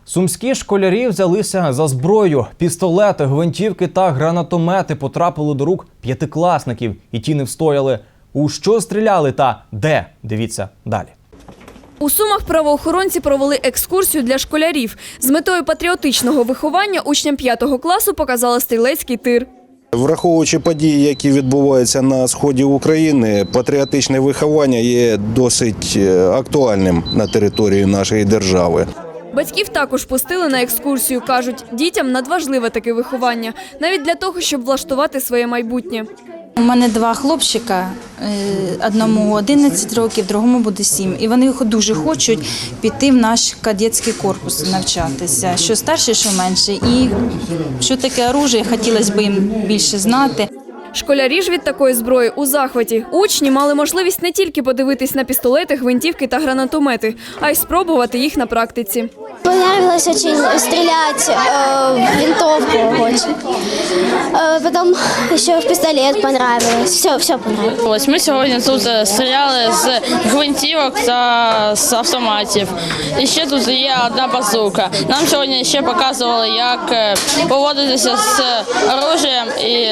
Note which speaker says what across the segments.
Speaker 1: Сумські школярі взялися за зброю. Пістолети, гвинтівки та гранатомети потрапили до рук п'ятикласників. І ті не встояли. У що стріляли та де? Дивіться далі.
Speaker 2: У Сумах правоохоронці провели екскурсію для школярів. З метою патріотичного виховання учням 5 класу показали стрілецький тир.
Speaker 3: Враховуючи події, які відбуваються на сході України, патріотичне виховання є досить актуальним на території нашої держави.
Speaker 2: Батьків також пустили на екскурсію. Кажуть, дітям надважливе таке виховання, навіть для того, щоб влаштувати своє майбутнє.
Speaker 4: У мене 2 хлопчика, одному 11 років, другому буде 7. І вони дуже хочуть піти в наш кадетський корпус навчатися, що старше, що менше. І що таке оружие, хотілося б їм більше знати.
Speaker 2: Школярі ж від такої зброї у захваті. Учні мали можливість не тільки подивитись на пістолети, гвинтівки та гранатомети, а й спробувати їх на практиці.
Speaker 5: Понравилось очень стрелять в винтовку очень. Потом еще в пистолет понравилось. Все понравилось.
Speaker 6: Ми сьогодні тут стріляли з гвинтівок та з автоматів. І ще тут є одна базука. Нам сьогодні ще показували, як поводитися з оружієм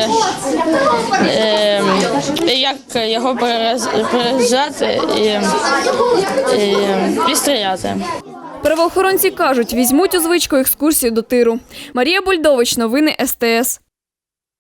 Speaker 6: і як його перезаряджати і стріляти.
Speaker 2: Правоохоронці кажуть, візьмуть у звичку екскурсію до тиру. Марія Бульдович, новини СТС.